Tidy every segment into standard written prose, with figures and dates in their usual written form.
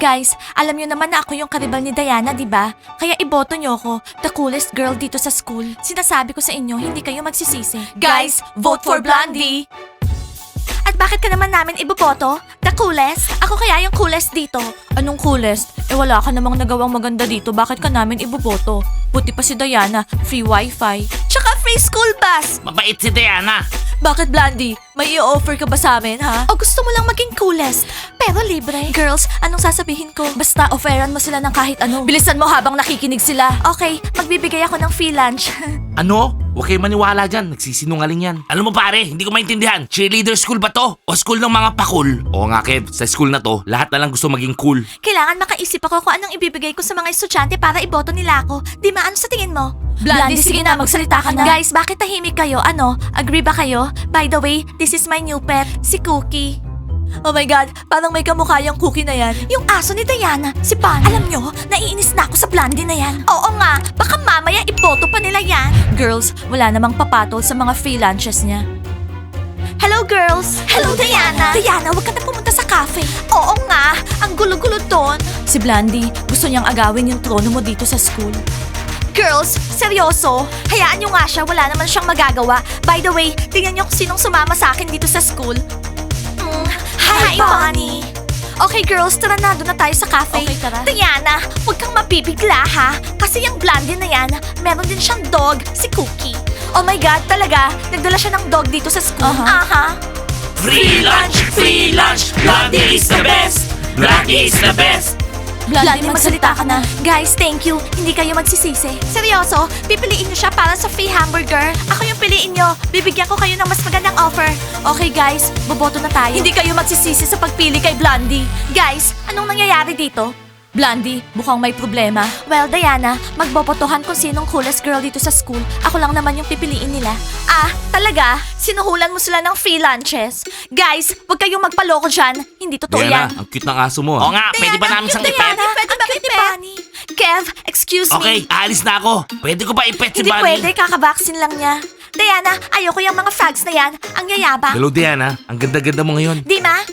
Guys, alam nyo naman na ako yung karibal ni Diana, di ba? Kaya iboto nyo ako, the coolest girl dito sa school. Sinasabi ko sa inyo, hindi kayo magsisisi. Guys, vote for Blondie! At bakit ka naman namin iboboto? The coolest? Ako kaya yung coolest dito. Anong coolest? Eh wala ka namang nagawang maganda dito, bakit ka namin iboboto? Buti pa si Diana, free wifi. Tsaka free school bus! Mabait si Diana. Bakit, Blondie? May i-offer ka ba sa amin, ha? O gusto mo lang maging coolest, pero libre? Girls, anong sasabihin ko? Basta offeran mo sila ng kahit ano. Bilisan mo habang nakikinig sila. Okay, magbibigay ako ng free lunch. Ano? Huwag kayo maniwala dyan. Nagsisinungaling yan. Alam mo pare, hindi ko maintindihan. Cheerleader school ba to? O school ng mga pakul? Oo nga Kev, sa school na to, lahat na lang gusto maging cool. Kailangan makaisip ako kung anong ibibigay ko sa mga estudyante para iboto nila ako. Di ma, ano sa tingin mo? Blondie, sige na, magsalita ka na. Guys, bakit tahimik kayo? Ano? Agree ba kayo? By the way, this is my new pet, si Cookie. Oh my God, parang may kamukha yung Cookie na yan. Yung aso ni Diana, si Bunny. Alam nyo, naiinis na ako sa Blondie na yan. Oo nga, baka mamaya iboto pa nila yan. Girls, wala namang papatol sa mga free lunches niya. Hello girls! Hello Diana! Diana, huwag ka na pumunta sa cafe. Oo nga, ang gulo-gulo doon. Si Blondie, gusto niyang agawin yung trono mo dito sa school. Girls, seryoso? Hayaan nyo nga siya, wala naman siyang magagawa. By the way, tingnan nyo kung sinong sumama sa akin dito sa school. Hi, Bonnie! Okay girls, tara na, doon na tayo sa cafe. Okay, tara. Diana, huwag kang mapipigla ha. Kasi yung Blondie na yan, meron din siyang dog, si Cookie. Oh my God, talaga? Nagdala siya ng dog dito sa school? Aha. Free lunch! Free lunch! Blondie is the best! Blondie is the best! Blondie, magsalita ka na. Guys, thank you. Hindi kayo magsisisi. Seryoso, pipiliin niyo siya para sa free hamburger. Ako yung piliin niyo. Bibigyan ko kayo ng mas magandang offer. Okay guys, boboto na tayo. Hindi kayo magsisisi sa pagpili kay Blondie. Guys, anong nangyayari dito? Blondie, mukhang may problema. Well, Diana, magbobotohan kung sinong coolest girl dito sa school. Ako lang naman yung pipiliin nila. Ah, talaga? Sinuhulan mo sila ng free lunches? Guys, huwag kayong magpaloko dyan. Hindi totoo Diana, yan. ang cute ng aso mo. Oo nga, pwede ba namin siyang ipet? Pwede ba ipet? Kev, excuse Okay, me. aalis na ako. Pwede ko ba ipet si Hindi Bunny? pwede, kakabaksin lang niya. Diana, ayoko yung mga frogs na yan. Ang yayabang. Hello Diana, ang ganda-ganda mo ngayon. Di ma?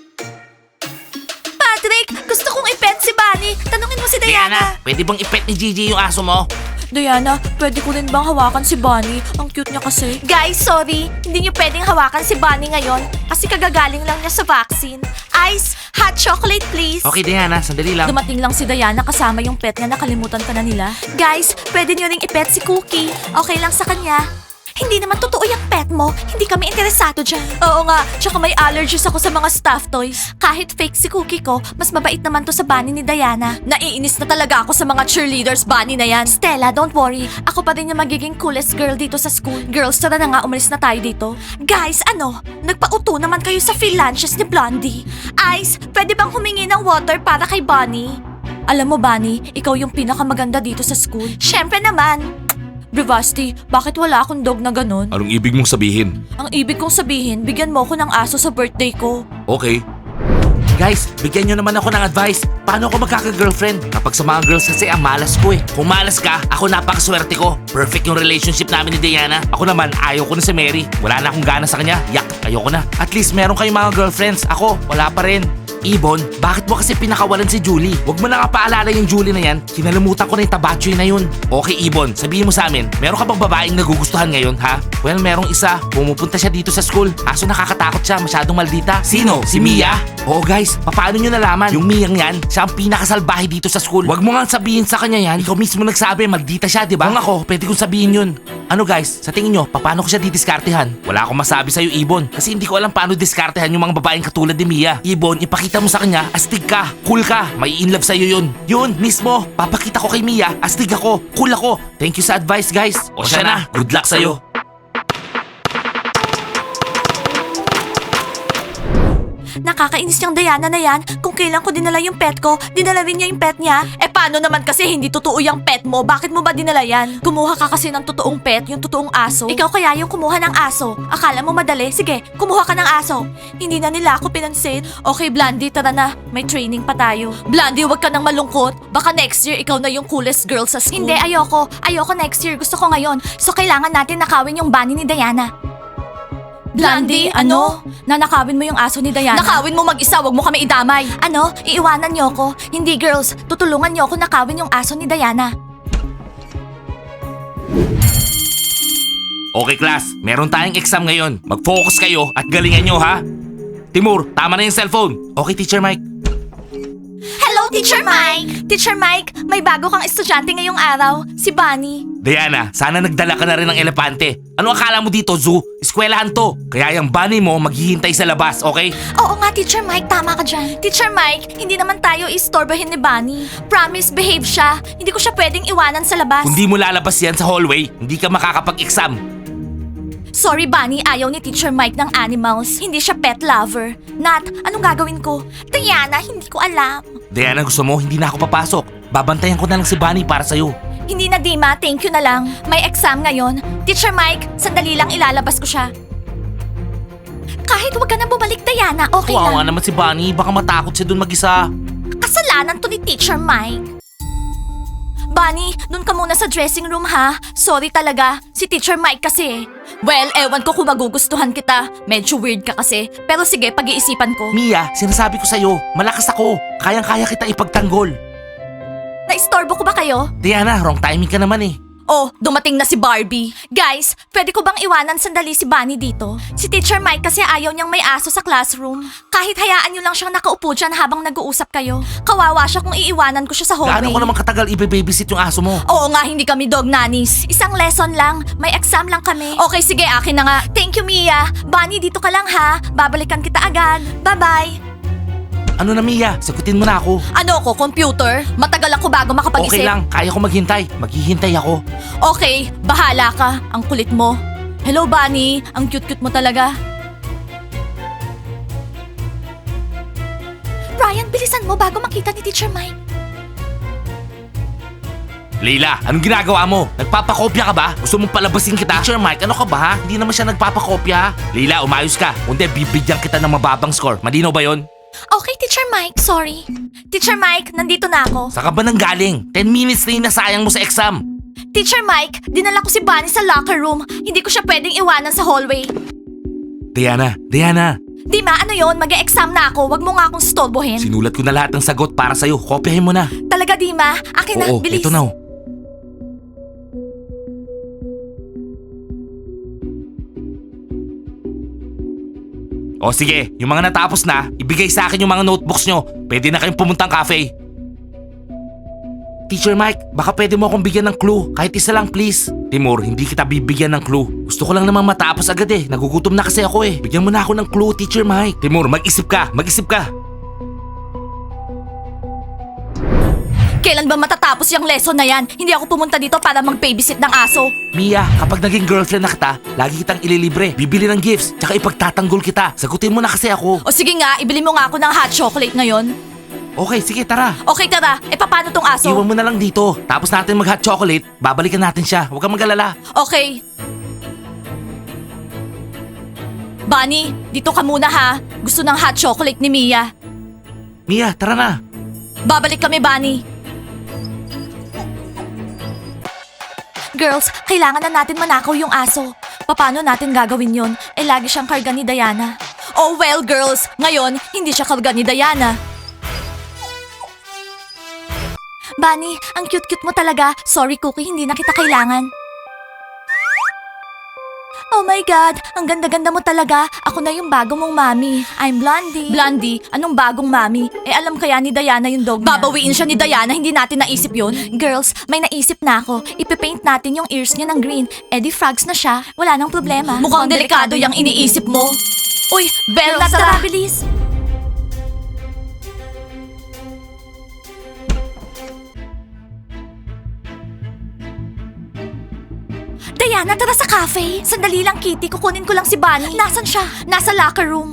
Patrick, gusto kong ipet si Bunny. Tanungin mo si Diana. Pwede bang ipet ni Gigi yung aso mo? Diana, pwede ko rin bang hawakan si Bunny? Ang cute niya kasi. Guys, sorry. Hindi niyo pwedeng hawakan si Bunny ngayon kasi kagagaling lang niya sa vaccine. Ice, hot chocolate please. Okay Diana, sandali lang. Dumating lang si Diana kasama yung pet niya, nakalimutan ka na nila. Guys, pwede niyo ring ipet si Cookie. Okay lang sa kanya. Hindi naman totoo yung pet mo. Hindi kami interesado dyan. Oo nga, tsaka may allergies ako sa mga stuffed toys. Kahit fake si Cookie ko, mas mabait naman to sa bunny ni Diana. Naiinis na talaga ako sa mga cheerleaders bunny na yan. Stella, don't worry. Ako pa rin yung magiging coolest girl dito sa school. Girls, tara na nga, umalis na tayo dito. Guys, ano? Nagpauto naman kayo sa free lunches ni Blondie. Ice, pwede bang humingi ng water para kay Bunny? Alam mo, Bunny, ikaw yung pinakamaganda dito sa school. Syempre naman. Bravasti, bakit wala akong dog na ganun? Anong ibig mong sabihin? Ang ibig kong sabihin, bigyan mo ako ng aso sa birthday ko. Okay. Guys, bigyan nyo naman ako ng advice. Paano ako magkaka-girlfriend? Kapag sa mga girls kasi ang malas ko eh. Kung malas ka, ako napakaswerte ko. Perfect yung relationship namin ni Diana. Ako naman, ayaw ko na si Mary. Wala na akong gana sa kanya. Yak, ayoko na. At least meron kayong mga girlfriends. Ako, wala pa rin. Ibon, bakit mo kasi pinakawalan si Julie? Huwag mo na nga paalala yung Julie na yan. Kinalimutan ko na yung tabachoy na yun. Okay, Ibon, sabihin mo sa amin, meron ka bang babaeng nagugustuhan ngayon, ha? Well, merong isa. Pumupunta siya dito sa school. Kaso nakakatakot siya, masyadong maldita. Sino? Si Mia? Oo guys, paano nyo nalaman? Yung Mia yan, siya ang pinakasalbahe dito sa school. Huwag mo nga sabihin sa kanya yan. Ikaw mismo nagsabi, maldita siya, di ba? Kung ako, pwede kong sabihin yun. Ano guys, sa tingin nyo, paano ko siya didiskartehan? Wala akong masabi sa'yo, Ibon. Kasi hindi ko alam paano diskartehan yung mga babaeng katulad ni Mia. Ibon, ipakita mo sa kanya, astig ka, cool ka, may in love sa'yo yun. Yun, mismo, papakita ko kay Mia, astig ako, cool ako. Thank you sa advice guys. O siya na, good luck sa'yo. Nakakainis yung Diana na yan. Kung kailan ko dinala yung pet ko, dinala rin niya yung pet niya. Eh paano naman kasi hindi totoo yung pet mo? Bakit mo ba dinala yan? Kumuha ka kasi ng totoong pet, yung totoong aso. Ikaw kaya yung kumuha ng aso. Akala mo madali? Sige, kumuha ka ng aso. Hindi na nila ako pinansin. Okay, Blondie, tara na. May training pa tayo. Blondie, huwag ka nang malungkot. Baka next year ikaw na yung coolest girl sa school. Hindi, ayoko. Ayoko next year. Gusto ko ngayon. So kailangan natin nakawin yung bunny ni Diana. Blondie, ano? Nanakawin mo yung aso ni Diana. Nakawin mo mag-isa, wag mo kami idamay. Ano? Iiwanan niyo ko? Hindi girls, tutulungan niyo ako nakawin yung aso ni Diana. Okay class, meron tayong exam ngayon. Mag-focus kayo at galingan nyo ha. Timur, tama na yung cellphone. Okay, Teacher Mike. Hello, Teacher Mike! Teacher Mike, may bago kang estudyante ngayong araw, si Bunny. Diana, sana nagdala ka na rin ng elepante. Ano akala mo dito, zoo? Eskwelahan to. Kaya yung bunny mo maghihintay sa labas, okay? Oo nga, Teacher Mike, tama ka dyan. Teacher Mike, hindi naman tayo istorbohin ni Bunny. Promise, behave siya. Hindi ko siya pwedeng iwanan sa labas. Kung di mo lalabas yan sa hallway, hindi ka makakapag-exam. Sorry, Bunny, ayaw ni Teacher Mike ng animals. Hindi siya pet lover. Nat, anong gagawin ko? Diana, hindi ko alam. Diana, gusto mo, hindi na ako papasok. Babantayan ko na lang si Bunny para sa'yo. Hindi na, Dima. Thank you na lang. May exam ngayon. Teacher Mike, sandali lang ilalabas ko siya. Kahit wag ka na bumalik, Diana, okay Kawawa lang. naman si Bunny, baka matakot siya dun mag-isa. Kasalanan to ni Teacher Mike. Bunny, dun ka muna sa dressing room ha. Sorry talaga, si Teacher Mike kasi. Well, ewan ko kung magugustuhan kita. Medyo weird ka kasi. Pero sige, pag-iisipan ko. Mia, sinasabi ko sa'yo, malakas ako. Kayang-kaya kita ipagtanggol. Naistorbo ko ba kayo? Diana, wrong timing ka naman eh. Oh, dumating na si Barbie. Guys, pwede ko bang iwanan sandali si Bunny dito? Si Teacher Mike kasi ayaw niyang may aso sa classroom. Kahit hayaan niyo lang siyang nakaupo dyan habang nag-uusap kayo. Kawawa siya kung iiwanan ko siya sa hallway. Gaano ko naman katagal ibe-babysit yung aso mo? Oo nga, hindi kami dog nannies. Isang lesson lang. May exam lang kami. Okay, sige, akin na nga. Thank you, Mia. Bunny, dito ka lang ha. Babalikan kita agad. Bye-bye. Ano na Mia, sagutin mo na ako. Ano ko, computer? Matagal ako bago makapag-isip. Okay lang, kaya ko maghintay. Maghihintay ako. Okay, bahala ka. Ang kulit mo. Hello, Bunny. Ang cute-cute mo talaga. Ryan, bilisan mo bago makita ni Teacher Mike. Leila, anong ginagawa mo? Nagpapakopya ka ba? Gusto mong palabasin kita? Teacher Mike, ano ka ba? Hindi naman siya nagpapakopya. Leila, umayos ka. Kundi bibigyan kita ng mababang score. Malinaw ba yon? Okay, Teacher Mike. Sorry. Teacher Mike, nandito na ako. Saan ka ba nang galing? 10 minutes na yung nasayang mo sa exam. Teacher Mike, dinala ko si Bunny sa locker room. Hindi ko siya pwedeng iwanan sa hallway. Diana, Dima, ano yon? Mag-e-exam na ako. Wag mo nga akong stolbohin. sinulat ko na lahat ng sagot para sa'yo. Kopyahin mo na. Talaga, Dima? Akin na, Oo, bilis. ito na. Oh. O sige, yung mga natapos na, ibigay sa akin yung mga notebooks nyo. Pwede na kayong pumuntang cafe. Teacher Mike, baka pwede mo akong bigyan ng clue. Kahit isa lang please. Timur, hindi kita bibigyan ng clue. Gusto ko lang naman matapos agad eh. Nagugutom na kasi ako eh. Bigyan mo na ako ng clue, Teacher Mike. Timur, mag-isip ka. Kailan ba matatapos yung lesson na yan? Hindi ako pumunta dito para mag-babysit ng aso. Mia, kapag naging girlfriend na kita, lagi kitang ililibre. Bibili ng gifts, tsaka ipagtatanggol kita. Sagutin mo na kasi ako. O sige nga, ibili mo nga ako ng hot chocolate ngayon. Okay, sige, tara. Okay, tara. E paano tong aso? Iwan mo na lang dito. Tapos natin mag-hot chocolate, babalikan natin siya. Huwag kang mag-alala. Okay. Bunny, dito ka muna ha. Gusto ng hot chocolate ni Mia. Mia, tara na. Babalik kami, Bunny. Girls, kailangan na natin manakaw yung aso. Paano natin gagawin yun? Eh, lagi siyang karga ni Diana. Oh well, girls. Ngayon, hindi siya karga ni Diana. Bunny, ang cute-cute mo talaga. Sorry, Cookie, hindi na kita kailangan. Oh my God, ang ganda-ganda mo talaga. Ako na yung bagong mong mami. I'm Blondie. Blondie? Anong bagong mami? Eh alam kaya ni Diana yung dog niya. Babawiin siya ni Diana, hindi natin naisip yun. Girls, may naisip na ako. Ipipaint natin yung ears niya ng green. Eddie Frogs na siya. Wala nang problema. Mukhang delikado yung iniisip mo. Uy, Bella, tara, bilis. Diana, tara sa cafe. Sandali lang, Kitty. Kukunin ko lang si Bunny. Nasaan siya? Nasa locker room.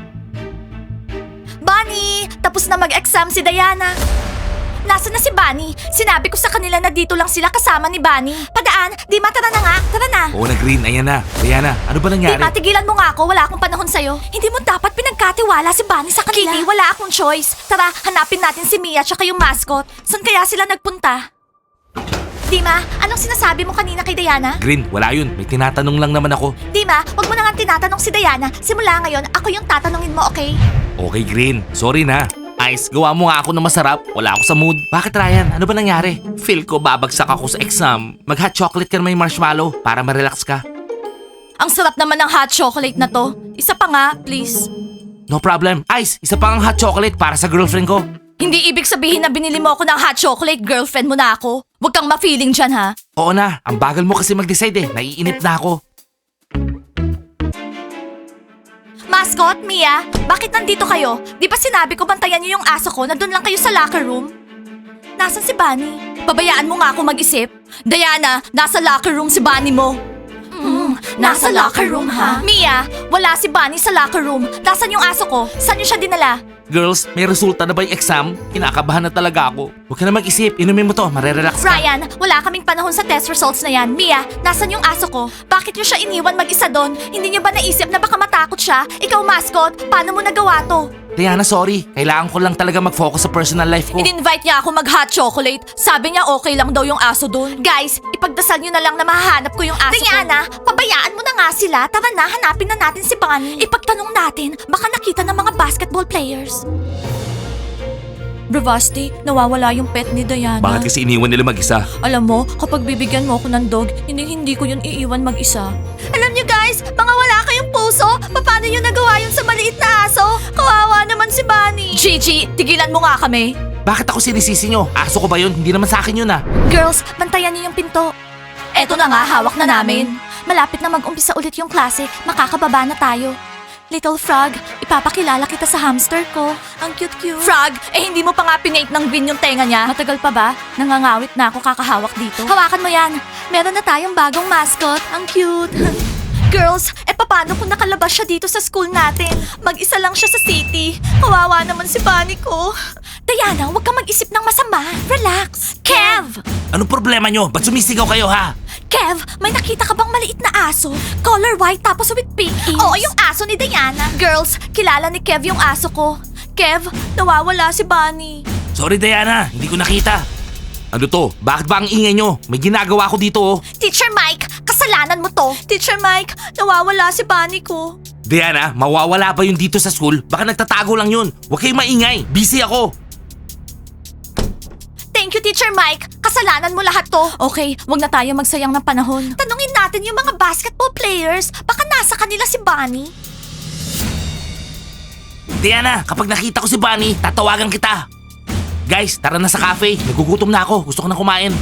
Bunny! Tapos na mag-exam si Diana. Nasaan na si Bunny? Sinabi ko sa kanila na dito lang sila kasama ni Bunny. Padaan, Dima, tara na nga. Tara na. Oo na green, ayan na. Diana, ano ba nangyari? Dima, tigilan mo nga ako. Wala akong panahon sa'yo. Hindi mo dapat pinagkatiwala si Bunny sa kanila. Kitty, wala akong choice. Tara, hanapin natin si Mia tsaka yung mascot. Saan kaya sila nagpunta? Dima, anong sinasabi mo kanina kay Diana? Green, wala yun. May tinatanong lang naman ako. Dima, wag mo na nga tinatanong si Diana. Simula ngayon, ako yung tatanungin mo, okay? Okay, Green. Sorry na. Ice, gawa mo nga ako ng masarap. Wala ako sa mood. Bakit, Ryan? Ano ba nangyari? Feel ko babagsak ako sa exam. Mag-hot chocolate ka na may marshmallow para ma-relax ka. Ang sarap naman ng hot chocolate na to. Isa pa nga, please. No problem. Ice, isa pang hot chocolate para sa girlfriend ko. Hindi ibig sabihin na binili mo ako ng hot chocolate, girlfriend mo na ako. Huwag kang ma-feeling dyan, ha? Oo na, ang bagal mo kasi mag-decide eh. Naiinip na ako. Mascot, Mia, bakit nandito kayo? Di ba sinabi ko bantayan niyo yung aso ko na doon lang kayo sa locker room? Nasaan si Bunny? Pabayaan mo nga ako mag-isip. Diana, nasa locker room si Bunny mo. Nasa locker room, ha? Mia, wala si Bunny sa locker room. Nasaan yung aso ko? Saan niyo siya dinala? Girls, may resulta na ba yung exam? Kinakabahan na talaga ako. Huwag ka na mag-isip. Inumin mo to, marerelax ka. Ryan, wala kaming panahon sa test results na yan. Mia, nasan yung aso ko? Bakit niyo siya iniwan mag-isa doon? Hindi niyo ba naisip na baka matakot siya? Ikaw, mascot, paano mo nagawa to? Diana, sorry. Kailangan ko lang talaga mag-focus sa personal life ko. In-invite niya ako mag-hot chocolate. Sabi niya okay lang daw yung aso doon. Guys, ipagdasal niyo na lang na mahahanap ko yung aso Diana, pabayaan mo na nga sila. Tara na, hanapin na natin si Bunny. Ipagtanong natin, baka nakita ng mga basketball players. Bravasti, nawawala yung pet ni Diana. Bakit kasi iniwan nila mag-isa? Alam mo, kapag bibigyan mo ako ng dog, hindi ko yun iiwan mag-isa. Alam niyo guys, mga wala kayong puso, paano niyo nagawa yun sa maliit na aso? Kawawa naman si Bunny. Gigi, tigilan mo nga kami. Bakit ako sinisisi nyo? Aso ko ba yun? Hindi naman sa akin yun ah. Girls, bantayan niyo yung pinto. Eto na nga, hawak na namin. Malapit na mag-umpisa ulit yung klase, makakababa na tayo. Little Frog, ipapakilala kita sa hamster ko. Ang cute-cute. Frog, hindi mo pa nga pinate ng green yung tenga niya. Matagal pa ba? Nangangawit na ako kakahawak dito. Hawakan mo yan. Meron na tayong bagong mascot. Ang cute. Girls, paano kung nakalabas siya dito sa school natin? Mag-isa lang siya sa city. Kawawa naman si Bunny ko. Diana, huwag kang mag-isip ng masama. Relax. Kev! Anong problema nyo? Ba't sumisigaw kayo ha? Kev, may nakita ka bang maliit na aso? Color white tapos with pink ears. Oo, yung aso ni Diana. Girls, kilala ni Kev yung aso ko. Kev, nawawala si Bunny. Sorry Diana, hindi ko nakita. Ano to? Bakit ba ang ingay nyo? May ginagawa ko dito oh. Teacher Mike, kasalanan mo to. Teacher Mike, nawawala si Bunny ko. Diana, mawawala ba yun dito sa school? Baka nagtatago lang yun. Huwag kayong maingay. Busy ako. Thank you, Teacher Mike. Kasalanan mo lahat to. Okay, wag na tayo magsayang ng panahon. Tanungin natin yung mga basketball players. Baka nasa kanila si Bunny. Diana, kapag nakita ko si Bunny, tatawagan kita. Guys, tara na sa cafe. Nagugutom na ako. Gusto ko na kumain.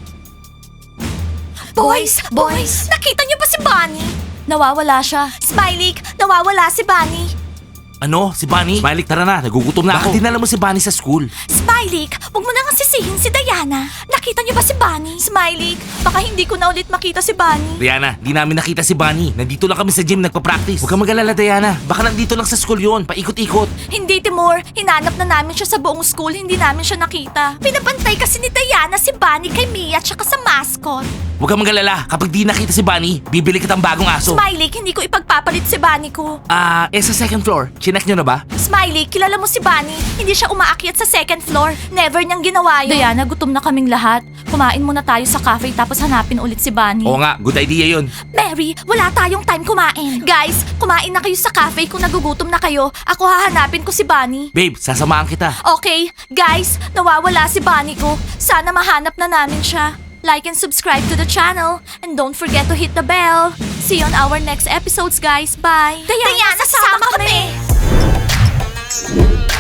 Boys! Nakita niyo ba si Bunny? Nawawala siya. Smiley, nawawala si Bunny. Ano? Si Bunny? Smiley, tara na. Nagugutom na ako. Bakit dinala mo si Bunny sa school? Smiley, huwag mo na nga sisihin si Diana. Nakita niyo ba si Bunny? Smiley, baka hindi ko na ulit makita si Bunny. Diana, di namin nakita si Bunny. Nandito lang kami sa gym nagpa-practice. Huwag kang mag-alala, Diana. Baka nandito lang sa school yun. Paikot-ikot. Hindi, Timur. Hinanap na namin siya sa buong school. Hindi namin siya nakita. Pinabantay kasi ni Diana si Bunny kay Mia tsaka sa mascot. Huwag kang mag-alala. Kapag di nakita si Bunny, bibili kitang bagong aso. Smiley, hindi ko ipagpapalit si Bunny ko. Sa second floor. Chinek nyo na ba? Smiley, kilala mo si Bunny. Hindi siya umaakyat sa second floor. Never niyang ginawa yun. Diana, gutom na kaming lahat. Kumain muna tayo sa cafe tapos hanapin ulit si Bunny. Oo nga, good idea yun. Mary, wala tayong time kumain. Guys, kumain na kayo sa cafe kung nagugutom na kayo. Ako hahanapin ko si Bunny. Babe, sasamahan kita. Okay, guys, nawawala si Bunny ko. Sana mahanap na namin siya. Like and subscribe to the channel. And don't forget to hit the bell. See you on our next episodes, guys. Bye. Diana, sasama kami.